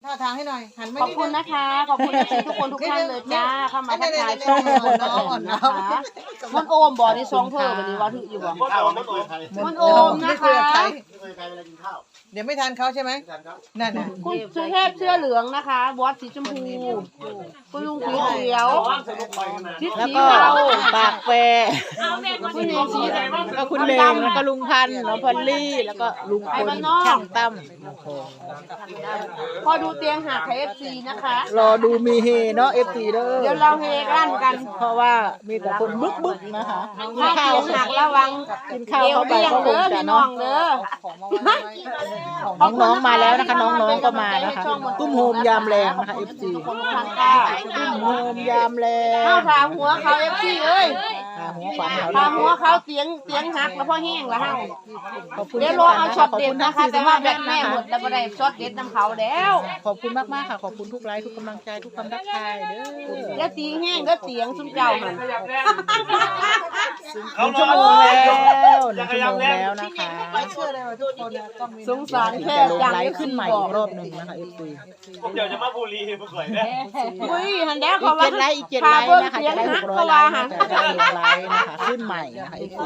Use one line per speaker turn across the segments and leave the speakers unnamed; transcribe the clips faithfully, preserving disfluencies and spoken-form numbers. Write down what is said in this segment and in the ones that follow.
ท่าทางให้หน่อยหันไม่
ขอบคุณนะคะขอบคุณทุกคนทุกท่านเลยจ้าเข้ามาทักทายช่องมนต์น้องนะคะมนต์โอมบ่อนี่ซองเพิ่มวันนี้ว่าถึงอยู่บ่
ข้าวไม่เคยใคร
มนต์โอมนะคะ
ไม่เคยใครเวลากินข้าว
เดี๋ยวไม่ทานเขาใช่ไหมนั่นน่ะ
คุณสุเทพเสื้อเหลืองนะคะบอสสีชมพูคุณลุงผิวเขียวทิศ
แล้ว
สี
ก็
เทา
ปากแปร
คุณเนสี
แล้วก็คุณเบงแล้วก็ลุงพันธุ์น้องพอลลี่แล้วก็ลุงพลช่างตั้ม
พอดูเตียงหาไทยเอฟซีนะคะ
รอดูมีเฮเนาะเอฟซีเด้อ
เดี๋ยวเราเฮกันกัน
เพราะว่ามีแต่คนบึกบึกๆนะคะกิน
ถ้า
ข้า
เตี
วย
งหักระวัง
กินข้าว
เอว
เข้าไป
เบี้ยง
ก็ค
เด้
ง
อ
จะ
พี่น้อ
เนาะ
งเด้อ
น้องๆมาแล้วนะคะน้องๆก็มานะคะตุ้มโฮมยามแรงนะคะเอฟซี
ทุกคนทุกท่านค่ะ
ตุ้มโฮมยามแรง
เข้าถามหัวเขาเอฟซีเอ้ย
อ่าหัวขวัญเขา
ถามหัวเขาเตียงเตียงหักแล้วพอแห้งแล้วฮะ
ขอบคุณ
เดี๋ยวรอเอาช็อตเด็ดนะคะแต่ว่าแบตแม่หมดแล้วบ่ได้ช็อตเด็ดน้ำเขาแล้ว
ขอบคุณมากๆค่ะขอบคุณทุกไลค์ทุกกำลังใจทุกคำทักทายเด้อ
แล้วตีแห้งแล้วเตียงซุ่มเจ้าหัน
หนึ่งชั่วโมงแล้วหนึ่งชั่วโมงแล้วนะคะ
ไม่เชื่อเลยว่าทุกคนนะต้องมี
สงสาร
ถึง
แค่
จะลง
จัง
ไล
ที่
ฟ์ขึ้นใหม่
บอ
อี
ก
กรอบหนึ่งนะคะเอฟซี
ผมเดี๋ยวจะมาบุรีมาก่อยนะ
อุ้ยหันแล้ว
อี
เขา
ก
ว่า
เจ็ดไลค์อีกเจ็ดไลค์นะคะจะได้หกร้อยไลค์นะจะได้ลงไลฟ์นะคะขึ้นใหม่นะคะเอฟซี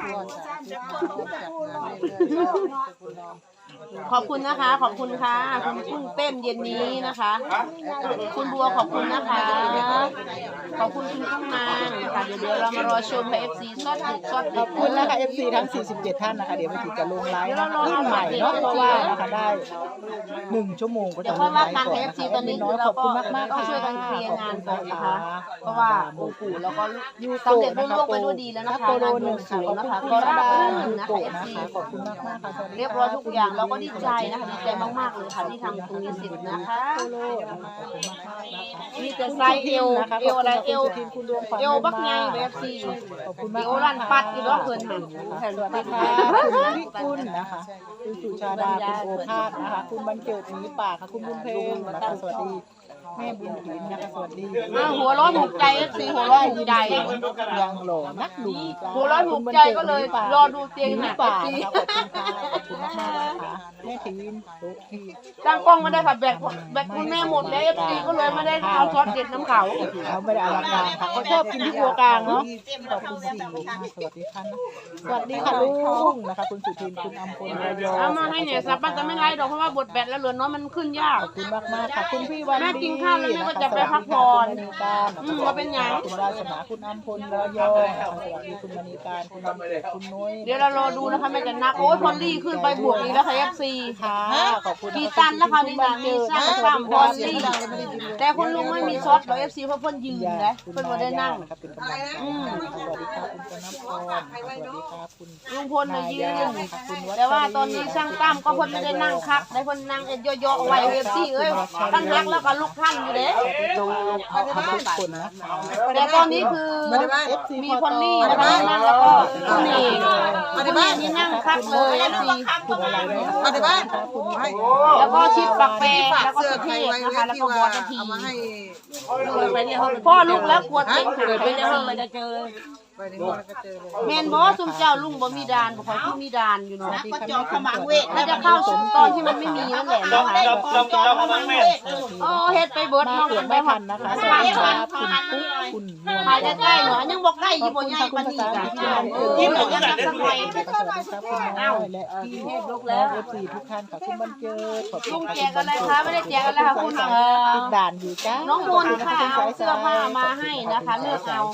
ขอบคุณนะคะ ขอบคุณค่ะคุณกุ้งเต้นเย็นนี้นะคะ คุณบัวขอบคุณนะคะ ขอบคุณคุณกุ้งนางค่ะเดี๋ยวเดี๋ยวเรามารอชมเอฟซีซอดดึกซอด
ข
ดึ
อก บคุณนะคะเอฟซีทั้งสี่สิบเจ็ดท่านนะคะเดี๋ยวมาถึงจะลงไลฟ์นะคะขึ้นใหม่เนาะเพราะว่านะคะได้หนึ่งชั่วโมงก็จะ
เดี๋ยว
ล
ค่อย
งไล
ว่า
ฟ์
การ
ก่อน
เอฟ
นะ
ซี
คะ
ตอนนี้
น้อย
เรา
ขอบ
ก็
คุณมากมาก
ต้อง
ค่ะ
ช่วยกันเคลียร์งานก่อนนะคะ เพราะว่าองค์ปู่แล้วก็
ยู
สำ
โกะ
เร็จ
นะ
รุ่
คะ
ล่วงไปด้วยดีแล้วนะคะ
โปโล
งาน
ห
บว
นึ่
ง
ง
สร
ศู
วง
นย์
นะคะ
ข
ก็
อบคุณ
ราบ
ดา
รื่น
ยู
นะ
โกะ
คะเอฟ
นะ
ซี
คะขอบคุณมากมากค่ะสวัสดี
เรียบร้อยทุกอย่างเราก็ดีใจนะคะดีใจมากๆเลยค่ะที่ทำตรงนี้เสร็จนะคะ
โปโลนะคะขอบคุณมากมากนะคะ
มีแต่ไซส์เอวเอวอะไรเอวเอวบักไงแบบสี่
ขอบคุณ
เอ
มาก
วรันปัดอยู่ด้วยเพิ่นหัน
สวัสดีค่ะคุณวิกุลนะคะคุณสุชาดาคุณโอภาสนะคะ คุณบรรเจิดหมีป่าค่ะคุณบุญเพลงนะคะสวัสดีแม่บุญถินนะคะสวัสดี
อ้าวหัวเร้อนถูกใจเอฟซีหัวเร้อนถูกใจ
ยังหล่อนักดูจ้า
หัวเร้อนถูกใจก็เลยรอดูเตียง
ห
ห
มี
นัก
ป่า
เอฟซี
นะคะขอบคุณค่ะขอบคุณมากๆนะคะแม่ทีนโต๊ะที่
ตั้งกล้องไม่ได้ค่ะแบตแบตคุณแม่หมดแล้วเอฟซีก็เลยไม่ได้เอาช็อตเด็ดน้ำเขา
เขาไม่ได้อลังการค่ะเขาชอบกินที่ครัวกลางเนาะขอบคุณสี่ค่ะสวัสดีค่ะสวัสดีค่ะลุงนะคะคุณสุทินคุณอำพลระยอง
เอามาให้เนี่ยสับมันจะไม่ไล่ดอกเพราะว่าบทแบตแล้วเหลือน้อยมันขึ้นยาก
ขอบคุณมากมากๆค่ะคุณพี่วันดี
แม่กินข้าวแล้วแม่ก็จะไปพักผ่อน
คุณมณีการ
อืมว่าเป็นหยัง
คุณวาสนาคุณอำพลระยองสวัสดีคุณมณีการคุณอำพลคุณนุ้ย
เดี๋ยวเรารอดูนะคะแม่จะนักโอ้ยพอลลี่ขึ้นไปบวกอีกแล้วค่ะเอฟซี
ค่ะขอบคุณ
กี่ตันแล้วค่ะนี่นะมีสร้างปั๊มพอลลี่แต่คุณลุงไม่มีช็อตหรอกเอฟซีเพราะเพิ่นยืนนะเพิ่นไม่ได้นั่ง
ครับเป็นกำลังใจสวัสดีค่ะคุณธนพรสวัสดีค่ะคุณ
ลุงพลมายืนแต่ว่าตอนนี้ช่างตั้มก็เพิ่นไม่ได้นั่งคักได้เพิ่นนั่งเย่อๆไว้เอฟซีเอ้ยท่านฮักแล้วก็ลูกท่านอยู่เด้
ดูเอาทุกคนนะคะ
แต่ตอนนี้คือมีพอลลี่นะคะนั่งแล้วก็คุณเองคุณเองนี่นั่งคักเลยเอฟซี
คุณอะไรเนี่ย
มาในบ้าน
คุณ
ให้
แล้วก็ชิดปักแปร
ฝาก
แล้วก็
เสื้อ
สุ
ใค
เท
ร
พ
ไว้
นะคะ
ที่
แล้วก็บ
ว่า
อสนาที
เอามาให้
พ่อลูกแล้วกลัวเต็งหายไปในห้องเลยจะเจอ
ไปในห้องแล้วก็เจอเลย
แมนบอสซุมเจ้าลุงบ่มีดานบ่คอยที่มีดานอยู่เนาะ
ก็จอขมังเวท
น่าจะเข้าสมตอนที่มันไม่มีนั่นแหละ
เรา
นะคะ
เราเราเรากำลังแม่
โอ้เฮ็ดไปเบิด
มา
เนาะ
เกิดไม่ทันนะคะสวัสดีครับคุณปุ๊กคุณนวล
ถ่ายใกล้ๆหน่อยยังบ่ใกล้อยู่บ่ใหญ่ปานนี้จ้ะยิ้มยังสักสักหน่อย
สวัสดีครับคุณน้อยและพี่เอฟแล้วเอฟซีทุกท่านค่ะคุณบรรเจิดขอบคุ
ลุ
ณ
ง
ค่ะ
แจกอะไรคะไม่ได้แจกอะไรค่ะคุณเอ่อ
ติดด่านอยู่จ้า
น้องมนค่ะเอาเสื้อผ้ามาให้นะคะเลือกเอา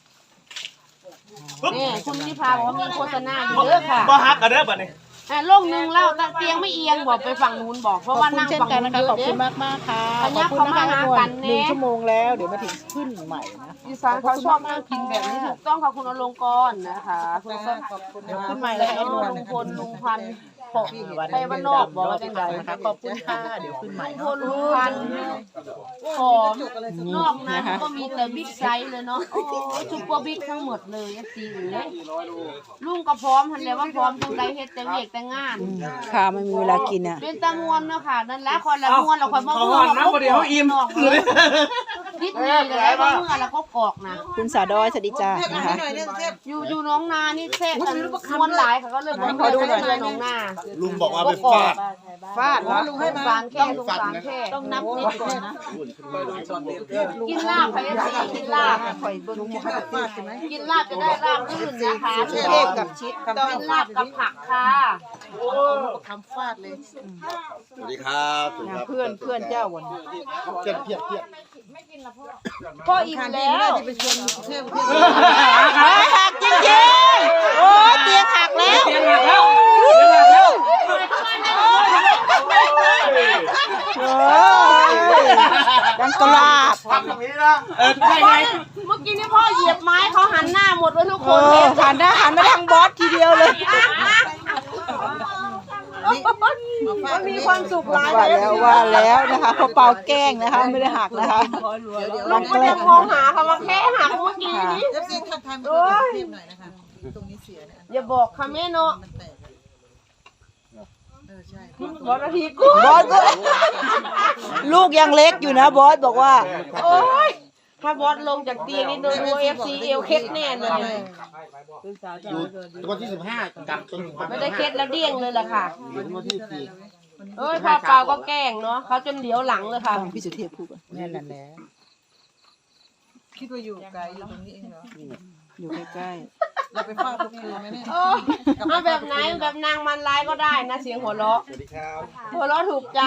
นี่คุณนิพาบอกว่ามีโฆษณาอยู่เด้อค่ะ
บ่ฮักกันเด้อบัดนี้
อ่ะโลกหนึ่งเล่าเตียงไม่เอียงบอกไปฝั่งนู้นบอกเพ
ขอ
ราะ
บ
ว่า
คุณ
นั่ง
เช่น
ฝั่ง
กัน
นู้
นะ
น
คะ
เย
ขอบ
อะ
คุณ
เด้
มากมากๆค่ะ
ข
ข
ยั
อ
บบ
คุณ
เข้า
นะ
มา
คะ
หา
ทุกค
กัน
น
แน่
หนึ่งชั่วโมงแล้วเดี๋ยวมาถึงขึ้นใหม่นะ
อีสานเขาชอบนั่งกินแบบนี้ถูกต้องค่ะคุณอลงกรณ์นะคะคุณก็
ขอบคุณ
เดี๋ยว
นะ
ขึ้นใหม่แล้ว
แล้ว
ไอ้นวล
ลุงพลลุงพันธุ์ปก
วัน
ไปบ้านนอกบอกว่าเป็นไร
นะคะขอบคุณค่ะเดี๋ยวขึ้นใหม่
ลุงพ
เนาะ
ลลุงพันธุ์หอมนอกนั้นก็มีแต่บิ๊กไซส์เลยเนาะโอ้ซุปเปอร์บิ๊กทั้งหมดเลยเอฟซีเลยลุงก็พร้อมทันแล้วว่าพร้อมตรงใดเฮ็ดแต่เวียกแต่งาน
ค่ะไม่มีเวลากินอ่ะ
เป็นตะมวนเนาะค่ะนั่นแหละคนละมวนเราคนมา
เขาหอนนะบ่ได้เฮาอิ่ม
กิทิศนี้เลยแล้วก็เมื่อแล้วก็กอกนะ
คุณสาดอยสวัสดีจ้า
เทพอ่า
นะ
นให้
คะ
หน่อยเนี่ยเทพ
อยู่อยู่น้องนานี่แทรกกันมวนหลายค่ะก็เลยบอก
ขอดูหน่อย
เลยน้องนา
ลุงบอกว่า
ก็
เป็น
กอ
ฟาก ด
ฟาด
อ๋อ
เนาะ
ลุงให้
สง
มา
สารแค่สงสารแค่
ต้องนับนิดก่อนนะ
กินลาบค่ะเอฟซีกินลาบ
ข่อยเบิ้ง
ให้กับฟาดใช่ไหม
กินลาบจะได้ลาบลื่นนะคะ
เทพกับชิดต้อง
กินลาบกับผักค่ะ
คำฟาดเลย
สวัสดีครับสวัสดีครับ
เพื่อนเพื่อนเจ้าวัน
เพียบเพียบเพียบ
พ่ออิ่ม
ทานดี
แล้
ไม่ได้
ว
ที่ไปชวนเทพเทพ
หักจริงๆโอ้เตียงหักแล้ว
เตียงหักแล้วเตียงหักแล้ว
โอ้ยดังกลาบ
ทำแบบนี้นะเออได้ไง
เมื่อกี้นี่พ่อเหยียบไม้เขาหันหน้าหมดเลยทุกค
โอ้
นเลย
หันหน้าหันมาทางบอสทีเดียวเลย
มันมีความสุขหลาย
ว่าแล้วว่าแล้วนะคะพอเป่าแกล้งนะคะไม่ได้หักนะคะ
ลุงก็ยังมองหาคำว่าแค่หักเมื่อกี้นี้
เอฟซีทักทายมาดูเทพหน่อยนะคะตรงนี้เสียเนี่ย
อย่าบอกค่ะแม่เนาะ
มันแตกเออใช่
บอสนาทีกู
บอสก็ลูกยังเล็กอยู่นะบอสบอกว่า
โอ้ยถ้าบอสลงจากเตียงนี่โดนเอฟซีเอลเคสแน่เลย
อยู่วันที่สิบห้ากับจนถึงวัน
ไม่ได้เคสแล้วเดี้ยงเลยล่ะค่ะ
ถึงวันที่สี่
เอ้ยพ่อเปล่าก็แกล้งเนาะเขาจนเหลียวหลังเลยค่ะ
ฟังพี่สุเทพพูดก่อนนั่นแหละแหละ
คิดว่าอยู่ไกลอยู่ตรงนี้เองเหรอ
อยู่ใกล้
เราไปฟาดทุกคืนไหมเนี่ย
โอ้เอาแบบไหนแบบนางมันร้ายก็ได้นะเสียงหัวเราะ
สวัสดีครับ
หัวเราะถูกใจ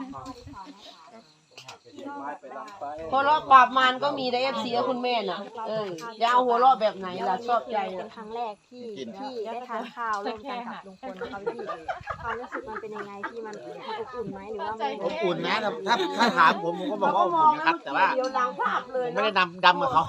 หัวเราะปราบมารก็มีในเอฟซีคุณแม่น่ะเออจะเอาหัวเราะแบบไหนล่ะชอบใจ
เป็
น่ะ
นครั้งแรกที่ที่ได้ทานข้าวร่วมกันกับลุงพลนะคะพี่ความรู้สึกมันเป็นยังไงที่มันมันอบอุ่นไหมหรือว่ามัน
อบอุ่นนะถ้าถ้าถามผมผมก็บอกว่าอบอุ่นนะครับ แต่ว่า
เดี๋ยวหลังภาพเลย
ผมไม่ได้ดำดำกับเขา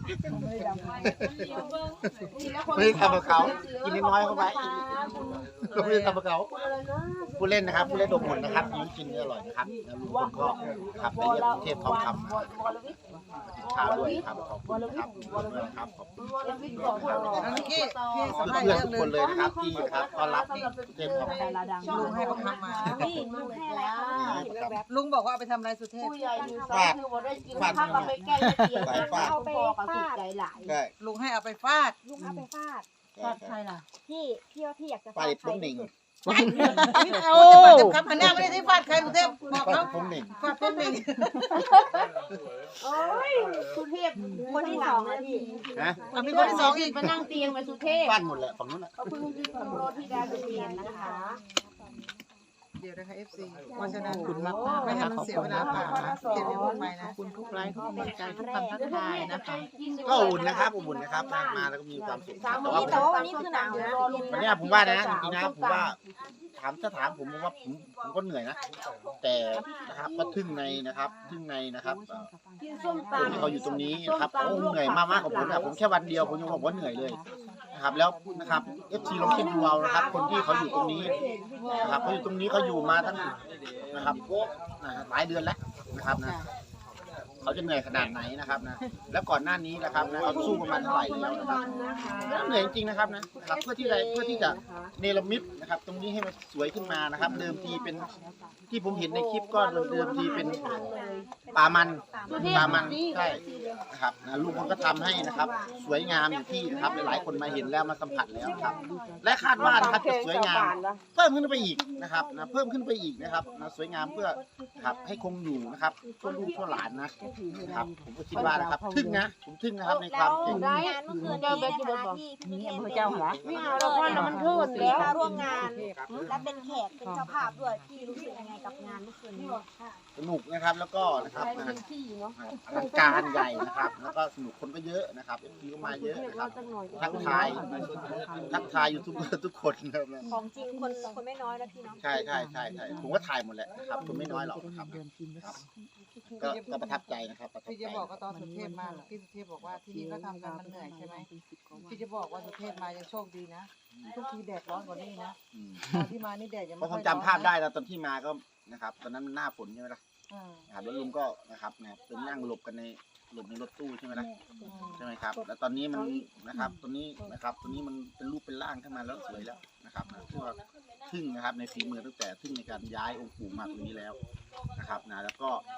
ไม่ได้ทำกับเขากินน้อยๆเข้าไปก็ไม่ได้ทำกับเขาผู้เล่นนะครับผู้เล่นอบอุ่นนะครับยิ้มกินอร่อยนะครับแล้วลุงพลก็นะครับได้เยี่ยมเทพทองคำข้าวด้วยครับขอบคุณครับขอบคุณครับขอบคุณ
อันนี้พี่พี่สัมภาษณ์
เพื่อน
เรื่อง
ทุก
หนึ
คน
ง
เลยนะครับที่นะครับต้อนรับเทพทองคำ
ลุงให้เขาพักมา
นี่มันแค่อะไรคะพี่เห็นแบบ
ลุงบอกว่าเอาไปทำอะไรสุเทพ
ผู้ใหญ่อยู่สายคือว่าได้กินข้าวกับไปแก้เตียงเอาไปฟาดใจหลาย
ได้
ลุงให้เอาไปฟาด
ลุงเอาไปฟาด
ฟาดใครล่ะ
พี่พี่ว่าพี่อยากจะ
ไป
ฟาดใคร
ผมหนึ่ง
ที่สุด
โอ้เต็มคำพันหน้าไม่ได้ที่ฟาดใครสุเทพบอก
ไป
เขา
ผมหนึ่ง
ฟาดปุ๊บหนึ่ง
โอ้ยสุเทพ
คนที่สองนะพี่
นะ
เอามีคนที่สองอีก
ไปนั่งเตียงไปสุเทพ
ฟาดหมดแหละฝั่งนู้นแหละ
เขาเพิ่งที่สำรวจที่ดาวเรียนนะคะ
เดี๋ยวนะคะ เอฟ ซีเพราะฉะนั้น
ๆขอบคุณมากๆ
ไม่
นะ
ให้
คะ
มัน
ขอบ
เสีย
คุ
เว
ณ
ลา
นะ
เปล่า
คะ
นะเก็บเดี๋ยวพูดไปนะ
ขอบคุณทุกไลค์ทุกกำลังใจทุกคำทักทายนะคะ
ก็อุ่นนะครับอุ่นนะครับมาแล้วก็มีความสุขแต่ว่า
พี่แต่ว่าวันนี้คือหนาวนะ
วันนี้ผมว่านะจริงๆนะผมว่าถามถ้าถามผมผมว่าผมผมก็เหนื่อยนะ แต่นะครับก็ทึ่งในนะครับทึ่งในนะครับ
กินส้ม
คนที่
ตำ
เขาอยู่ตรงนี้นะครับโอ้เหนื่อยมากมากกว่าผมนะผมแค่วันเดียวผมยังบอกว่าเหนื่อยเลยนะครับแล้วนะครับเอฟซีลองคิดดูเอานะครับ คนที่เขาอยู่ตรงนี้นะครับเขาอยู่ตรงนี้เขาอยู่มาตั้งนะครับนะหลายเดือนแล้วนะครับนะเขาจะเหนื่อยขนาดไหนนะครับนะแล้วก่อนหน้านี้นะครับนะเขาสู้ประมาณเท่าไหร่แล้วนะครับเหนื่อยจริงๆนะครับนะครับเพื่อที่จะเพื่อที่จะเนรมิตนะครับ ตรงนี้ให้มันสวยขึ้นมานะครับ เดิมทีเป็นที่ผมเห็นในคลิปก็เดิมทีเป็นป่ามันป่ามันใช่นะครับนะลุงคนก็ทำให้นะครับ สวยงามอยู่ที่นะครับหลายๆคนมาเห็นแล้วมาสัมผัสแล้วนะครับ และคาดว่านะครับจะสวยงาม เพิ่มขึ้นไปอีกนะครับนะเพิ่มขึ้นไปอีกนะครับนะสวยงามเพื่อนะครับให้คงอยู่นะครับชั่วลูกชั่วหลานนะนะครับผมก็คิดว่านะครับทึ่งนะผมทึ่งนะครับในความเก่ง
ได้งานเมื่อคืนนี้นะคะที่พี่เทพ
พระเจ้าหรอ
ไม่เอาเราพ่อเรามันเทิดแล้ว
มาร่วมงานและเป็นแขกเป็นเจ้าภาพด้วยพี่รู้สึกยังไงกับงานเมื่อคืนนี้
สนุกนะครับแล้วก็นะครับ
ใช้
นะ
เป็นที่เนาะ
อลังการใหญ่นะครับ แล้วก็สนุกคนก็เยอะนะครับเอฟซีก็มาเยอะนะครับทักทายทักทายยูทูบเบอร์ทุกคนนะครับนะ
ของจริงคนคนไม่น้อยนะพี่เนาะ
ใช่ใช่ใช่ใช่ผมก็ถ่ายหมดแหละนะครับคนไม่น้อยหรอกนะครับครับก็ก็ประทับใจนะครับประทับ
พี่
ใจ
จะบอกว่าตอนสุเทพมาพี่สุเทพบอกว่าที่นี่ก็ทำกันมันเหนื่อยใช่ไหมพี่จะบอกว่าสุเทพมายังโชคดีนะทุกทีแดดร้อนกว่านี้นะ
อืม
ตอนที่มานี่แดดยัง
เพ
ไม่
ราะผ
ค่อ
ม
ย
จำภาพได้นะตอนที่มาก็นะครับตอนนั้นมันหน้าฝนใช่ไหมล่ะ
อ่า
นะครับแล้วลุงก็นะครับเนี่ยเป็นนั่งหลบกันในหลบในรถตู้ใช่ไหมล่ะ
อืม
ใช่ไหมครับ แล้วตอนนี้มันนะครับตัวนี้นะครับตัวนี้มันเป็นรูปเป็นร่างขึ้นมาแล้วสวยแล้วนะครับนะคือว่าทึ่งนะครับในฝีมือตั้งแต่ทึ่งในการย้ายองค์ปู่มาตรงนี้แล้วนะครับนะแล้วก็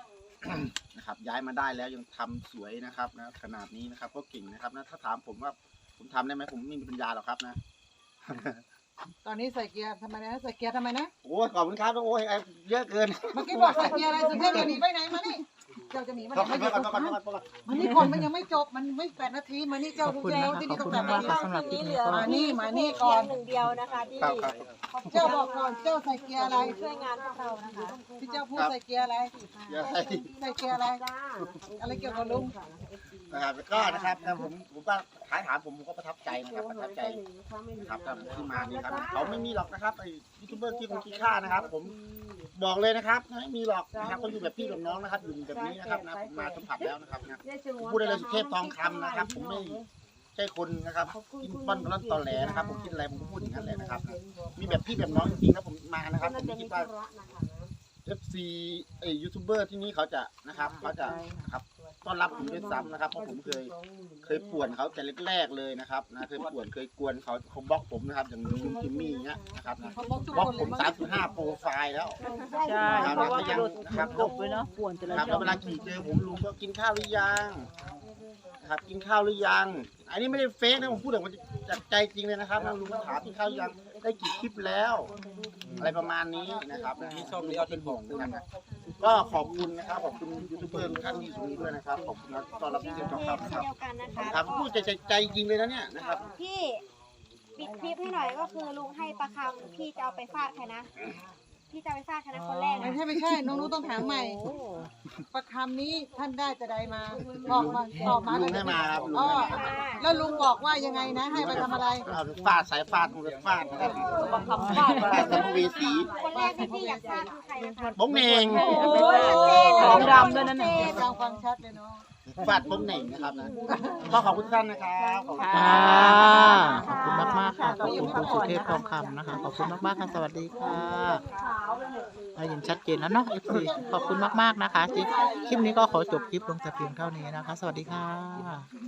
นะครับย้ายมาได้แล้วยังทำสวยนะครับนะขนาดนี้นะครับก็เก่งนะครับนะถ้าถามผมว่าผมทำได้ไหมผมไม่มีปัญญาหรอกครับนะ
ตอนนี้ใส่เกียร์ทำไมนะใส่เกียร์ทำไมนะ
โอ้ยขอบคุณครับโอ้ยเยอะเกิน
เมื่อกี้บอกใส่เกียร์อะไรสุเทพจะหนีไปไหนมานี่เจ้าจะหนีมา
ขอบ
ไหน
คุณ
มา
ครับ
อยู่
ข
ต
อบ
รง
คุณ
นั้น
ครับขอบคุณครับ
มานี่ก่อนมันยังไม่จบมันไม่แปดนาทีมานี่เจ้า
ขอบ
ดู
คุณ
เจ้า
นะคะ
ที่
ข
นี่
อบ
ก็
คุณ
แปด
มา
นาที
กๆสำหรับคลิปนี้ก็
มานี่มานี่ก่อน
หนึ่งเดียวนะคะที่
ครับครับ
เจ้าบอกก่อนเจ้าใส่เกียร์อะไร
ช่วยงานพวกเรานะคะ
ที่เจ้าพูดใส่เกียร์อะไร
เยอะให้
ใส่เกียร์อะไรอะไรเกี่ยวกับลุง
นะครับก็นะครับนะผมผมก็ท้ายถามผมผมก็ประทับใจนะครับประทับใจนะครับที่มานี่ครับเขาไม่มีหรอกนะครับไอ้ยูทูบเบอร์ที่คงขี้ข้านะครับ ผมบอกเลยนะครับไม่มีหรอกนะครับเขาอยู่แบบพี่แบบน้องนะครับอยู่แบบนี้นะครับนะผมมาสัมผัสแล้วนะครับนะผมพูดได้เลยสุเทพทองคำนะครับ ผมไม่ใช่คนนะครับกินป้อนร้อนตอแหลนะครับ ผมคิดอะไรผมก็พูดอย่างนั้นเลยนะครับนะมีแบบพี่แบบน้องจริงๆนะผมมานะครับผมไม่คิดว่า เอฟ ซี ไอยูทูบเบอร์ที่นี่เขาจะนะครับเขาจะนะครับต้อนรับผมด้วยซ้ำนะครับเพราะผมเคยเคยป่วนเขาแต่แรกๆเลยนะครับนะเคยป่วนเคยกวนเขาเขาบล็อกผมนะครับอย่างลุงจิมมี่เงี้ยนะครับนะ
เขาบอกทุก
บล็อก
คนเล
ผ
ย
ม
มั้ง
สามจุดห้าโปรไฟล์แล้ว
ใช่เพราะว่ากระโดดจบไปเนาะป่วนแต่ละ
นะครับ
ช่
แล้
อ
ว
ง
เวลาขี่เจอผมลุงก็กินข้าวหรือยังนะครับกินข้าวหรือยัง อันนี้ไม่ได้เฟซนะผมพูดแบบจากใจจริงเลยนะครับนะลุงถามกินข้าวหรือยังได้กี่คลิปแล้ว อะไรประมาณนี้นะครับนี่ชอบเลี้ยวเป็นห่วงด้วยนะครับก็ขอบคุณนะครับขอบคุณยูทูบเบอร์ทุกท่านที่อยู่ตรงนี้ด้วยนะครับขอบคุณนะต้อนรับที่เต็ม
เช่
ทอง
น
คำนะครับ
เดียวกันนะคะ
ครับพูดใจใจใจจริงเลยนะเนี่ยนะครับ
พี่ปิดคลิปให้หน่อยก็คือลุงให้ประคำพี่จะเอาไปฟาดใครนะ พี่จะเอาไปฟาดใครนะคนแรก
ไม่
นะ
ใช่ไม่ใช่น้องรู้ต้องถามใหม่ประคำนี้ท่านได้แต่ใดมาบอกมาตอบมา
ลุงให้มาครับลุง
อ๋อ
ให้มา
แล้วลุงบอกว่ายังไงนะให้ไปทำอะไร
เอาไปฟาดสายฟาดมันไปฟาดนะครับ
บังคับฟาด
ฟาดสัมภเวสี
คนแรกที่พี่อยากฟาดคือใครนะคะ
บ้งเหน่ง
โอ้ยของดำด้วยนั่นน่ะ
ฟังฟังชัดเลยเนาะ
ฟาดบ้งเหน่งนะครับนะก็ขอบคุณท่านนะครับขอบคุณ
ค่ะ
ครับ
ขอบคุณมากมากๆค่ะขอบคุณคุณสุเทพทองคำนะคะ ขอบคุณมากมากๆค่ะสวัสดีค่ะได้ยินชัดเจนแล้วเนาะ เอฟ ซี ขอบคุณมากมากๆนะคะที่คลิปนี้ก็ขอจบคลิปลงแต่เพียงเท่านี้นะคะ สวัสดีค่ะ